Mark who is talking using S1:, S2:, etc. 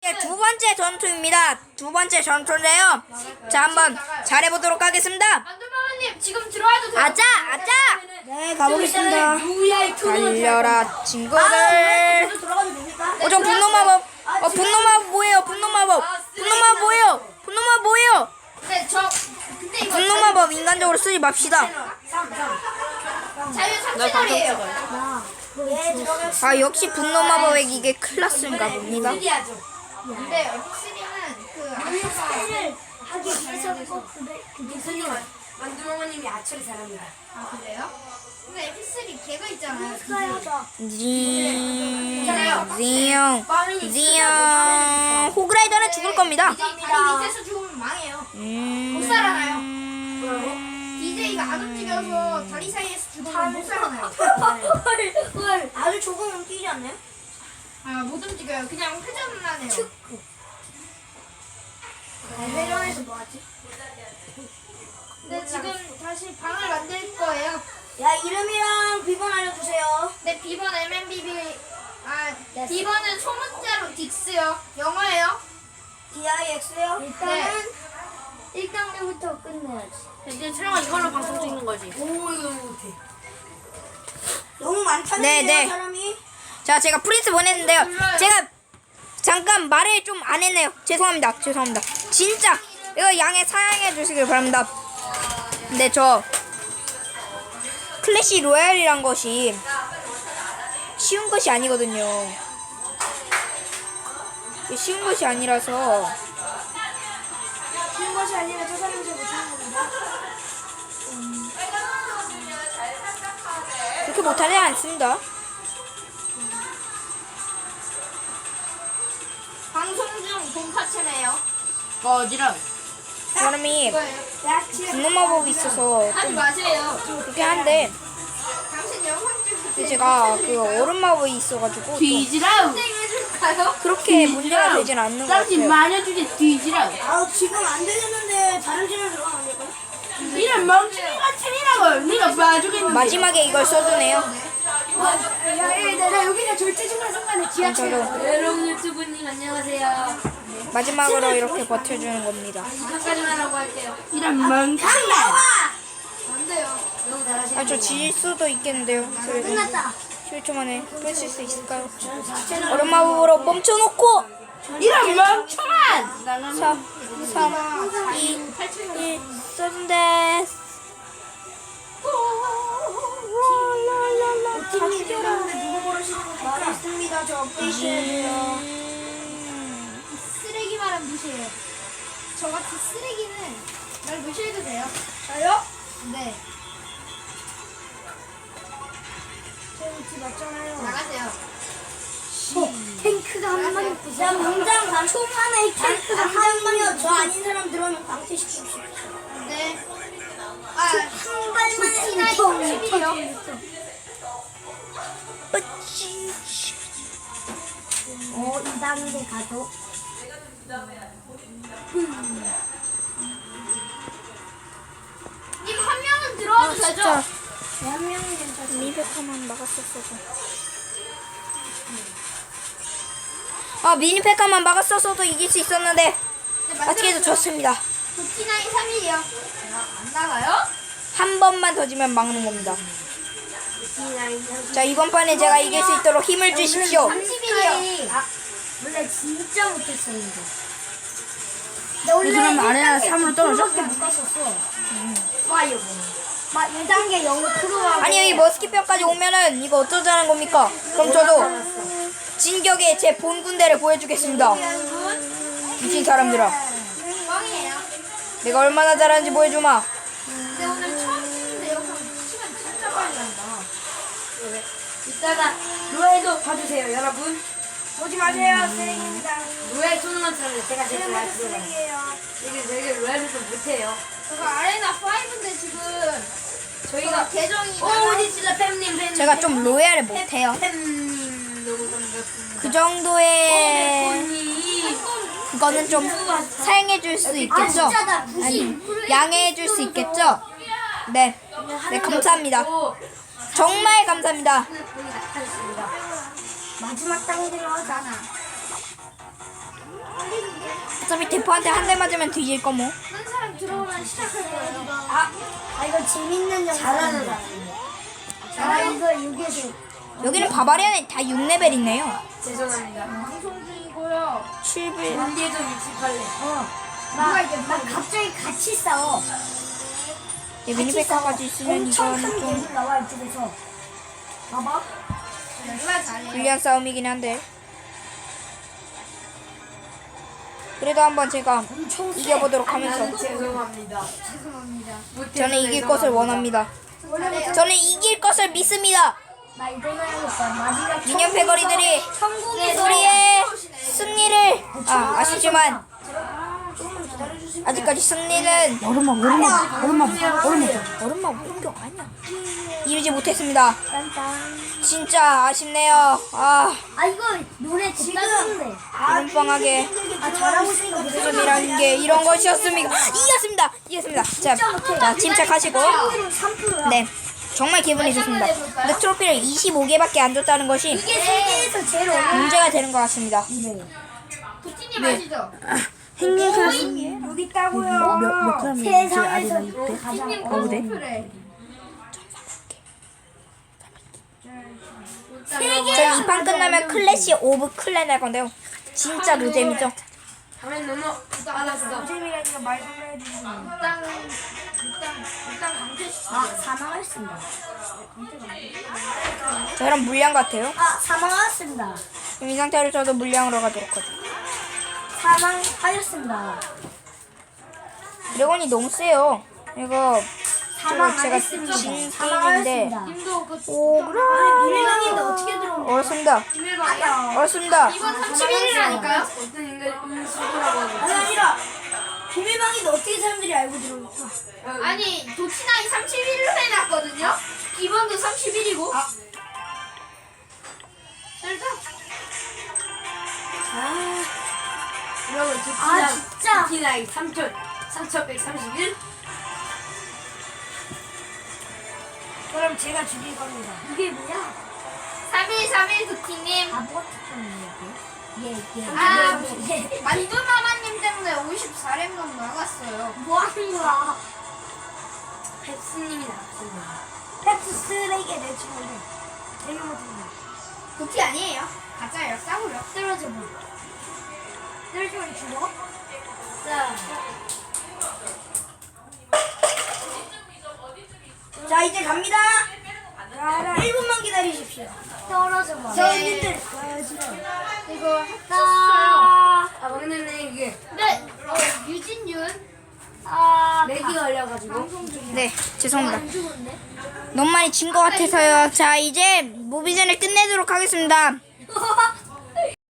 S1: 네, 두 번째 전투입니다. 두 번째 전투인데요. 자, 한번 잘해보도록 하겠습니다.
S2: 만두마마님 지금 들어와도 돼요.
S1: 아자, 아자.
S3: 네, 가보겠습니다.
S1: 달려라 친구들. 저 분노 마법. 분노 마법 뭐예요? 분노 마법. 분노 마법 뭐예요? 분노 마법 뭐예요?
S2: 근데 근데 이거
S1: 분노 마법 인간적으로 쓰지 맙시다.
S2: 자유 3채널이에요.
S1: 아, 역시 분노 마법의 이게 클라스인가 봅니다.
S2: 근데 F3는 그
S3: 하기 위해서 만두마마님이 아처리 잘합니다.
S2: 아 그래요? 근데 F3 걔가 있잖아요.
S1: 지영. 호그라이더는 죽을 겁니다.
S2: DJ 다리 밑에서 죽으면 망해요. 못 살아나요. DJ가 안 움직여서 다리 사이에서 죽으면 못 살아나요.
S3: 헐, 아주 조금 움직이지 않나요?
S2: 아 못 움직여요. 그냥 회전만 해요.
S3: 회전에서 뭐하지?
S2: 근데 지금 다시 방을 만들 거예요.
S3: 야, 이름이랑 비번 알려주세요.
S2: 네, B번 MMBB. B번은 소문자로 딕스요. 영어예요.
S3: DIX요?
S2: 네.
S3: 1단계부터 끝내야지.
S2: 이제 촬영은 이걸로 방송 찍는 거지.
S3: 오, 이거 못해. 너무 많다는데요,
S1: 네, 네.
S3: 사람이?
S1: 자, 제가 프린스 보냈는데요. 제가 잠깐 말을 좀 안 했네요. 죄송합니다. 죄송합니다. 진짜 이거 사양해 주시길 바랍니다. 근데 저 클래시 로얄이란 것이 쉬운 것이 아니거든요. 쉬운 것이 아니라서
S3: 쉬운 것이 아니라 저 사람이 잘 못하는 겁니다.
S1: 그렇게 못하지 않습니다.
S2: 방송 중 돈파체네요.
S4: 거지랑
S1: 사람이
S2: 이거예요.
S1: 분노 마법이 있어서
S2: 하지 마세요.
S1: 그렇긴 한데
S2: 당신 영상 찍을 때
S1: 제가 그 얼음 마법이 있어가지고 좀
S4: 뒤지라우.
S2: 해줄까요?
S1: 그렇게 문제가 되진 않는 것
S4: 당신
S1: 같아요.
S4: 마녀주제 뒤지라우.
S3: 아, 지금 안 되겠는데 다른 채널 들어가면 안 될까요?
S4: 이런 멍청이 같으니라고. 네가 봐주겠는데.
S1: 마지막에 이걸 써주네요.
S3: 나 여기가 절대 중간 순간에
S1: 저도
S4: 여러분 유튜브님 안녕하세요.
S1: 마지막으로 이렇게 버텨주는 겁니다.
S2: 이것까지만 하고 할게요.
S4: 이런 멍청이.
S2: 안 돼요.
S1: 아, 저 질 수도 있겠는데요. 그래도
S3: 끝났다.
S1: 10초 만에 뺏을 수 있을까요? 얼음 마법으로 멈춰놓고
S4: 이런 멍청한.
S1: 3, 2, 1 써준데.
S3: 다 죽여라. 누구 모르시는 거 말했습니다. 저 업데이트 해야 돼요.
S2: 쓰레기 말은 무시해요. 저같이 쓰레기는 날 무시해도 돼요.
S3: 저요?
S2: 네.
S3: 저 위치 맞잖아요.
S2: 나가세요.
S3: 탱크가 한 마리 야, 명장 초반에 탱크가 한 마리요. 저 아닌 사람 들어오면 방치시키십시오.
S2: 네.
S3: 한 발만에
S2: T9 30이요.
S3: 2단계 가도
S2: 님 한 명은 들어와도 되죠?
S1: 진짜
S3: 한 명이 괜찮아요.
S1: 미니팩만 막았었어도. 미니팩만 막았었어도 이길 수 있었는데 아직도 졌습니다.
S2: T9 3일이요. 안 나가요?
S1: 한 번만 더 지면 막는 겁니다. 자, 이번 판에 제가 이길 수 있도록 힘을 주십시오.
S2: 30일이요.
S3: 원래 진짜 못했었는데.
S4: 이 사람 아래나 3으로 떨어져?
S3: 못 갔었어. 파이어. 막 1단계 영어 프로하고.
S1: 아니, 여기 머스킷병까지 오면은 이거 어쩌자는 겁니까? 그럼 저도 진격의 제 본 군대를 보여주겠습니다. 미친 사람들아,
S2: 뻥이에요.
S1: 내가 얼마나 잘하는지 보여주마.
S2: 근데 오늘 처음 찍는데 영상 시간 진짜 빨리 간다.
S4: 이따가 로에도 봐주세요 여러분.
S3: 보지 마세요. 쓰레기입니다.
S4: 로에 토너먼트를 제가 제일 잘 들어요.
S3: 쓰레기예요.
S4: 되게 로에를 좀 못해요.
S2: 저거 아레나 5인데 지금 저희가 계정이
S4: 어디 진짜 팬님
S1: 제가 좀 로얄을 못해요.
S4: 팬님 너무 반갑습니다.
S1: 그 정도의
S4: 언니
S1: 그거는 좀 사양해줄 수 있겠죠?
S3: 진짜다.
S1: 아니, 양해해줄 수 있겠죠? 네, 네, 감사합니다. 정말 감사합니다.
S3: 마지막 단계로 하잖아.
S1: 어차피 대포한테 한 대 맞으면 뒤질 거 뭐.
S2: 한 사람 들어오면 시작할 거예요.
S3: 아 이거 재밌는 영상이다. 아 이거 여기에서
S1: 여기는 바바리안이 다 6레벨 있네요.
S4: 죄송합니다.
S2: 방송 중이고요.
S1: 7배.
S4: 문제도 68래.
S3: 나 갑자기 같이 싸워.
S1: 미니백화까지 있으면
S3: 엄청
S1: 이거는
S3: 큰
S1: 좀
S3: 괴물 나와 이쪽에서. 봐봐.
S2: 누가 잘해?
S1: 불리한 싸움이긴 한데. 그래도 한번 제가
S3: 엄청 세.
S1: 이겨보도록 하면서
S4: 죄송합니다.
S2: 죄송합니다.
S1: 저는 이길 것을 원합니다. 저는 이길 것을 믿습니다.
S3: 나 이거 해야겠다. 마지막
S1: 미니언 패거리들이
S3: 천국에서
S1: 우리의 승리를 아쉽지만
S3: 조금만 기다려주세요.
S1: 아직까지 승리는
S4: 얼음만
S1: 얼음만 공격 아니야. 이루지 못했습니다.
S3: 딴딴.
S1: 진짜 아쉽네요.
S3: 아 이거 노래 진짜 좋은데.
S1: 얼음빵하게
S3: 잘하고 있으니까
S1: 웃음이라는 게 이런 것이었습니까? 이겼습니다. 자, 침착하시고.
S3: 3%야.
S1: 네, 정말 기분이 좋습니다. 근데 트로피를 25개밖에 안 줬다는 것이
S3: 이게 세계에서 제일 어려운
S1: 문제가 되는 것 같습니다.
S2: 도티님 아시죠?
S3: 여기 있다고요. 세상에서 가장 어려운.
S2: 그래.
S1: 저는 이 판 끝나면 클래시 오브 클랜 할 건데요. 진짜 노잼이죠.
S4: 화면 너무 빨랐어.
S3: 재미가 말도 해야지.
S2: 일단 강퇴시켜.
S3: 사망했습니다.
S1: 저랑 물량 같아요.
S3: 사망하였습니다.
S1: 그럼 이 상태로 저도 물량으로 가도록 하죠.
S3: 사망하였습니다.
S1: 드래곤이 너무 세요. 이거 제가 진 게임인데
S3: 사망하였습니다.
S2: 님도 그
S3: 비밀방인데 어떻게 들어온 거야?
S1: 어렵습니다.
S2: 비밀방이야?
S1: 어렵습니다.
S2: 이건 31일이라니까요?
S4: 어떤 인간 수고라고 하지?
S3: 아니라 비밀방인데 어떻게 사람들이 알고 들어온 거야?
S2: 아니 도티나이 31일로 해놨거든요. 기본도 30일이고. 일단
S4: 여러분
S3: 진짜.
S4: 디나이 3131.
S3: 그럼 제가 죽일 겁니다. 이게 뭐야?
S2: 3일 도티님.
S3: 바보 같은 얘.
S2: 아, 만두마마님 때문에 54렘넌 나갔어요.
S3: 뭐 하는 거야?
S4: 펩스님이 나왔습니다.
S3: 팩스 쓰레기에 내 친구인데. 내가 못했네.
S2: 도티 아니에요. 가짜예요. 싸구려.
S3: 떨어져 봐. 떨어지면 죽어? 자 이제 갑니다. 1분만 기다리십시오. 떨어져 봐. 저희들
S2: 이거 했었어요.
S3: 나.
S4: 막내는 이게
S2: 근데 유진윤
S4: 렉이 걸려가지고.
S1: 네, 죄송합니다. 너무 많이 진 것 같아서요. 자, 이제 무비전을 끝내도록 하겠습니다.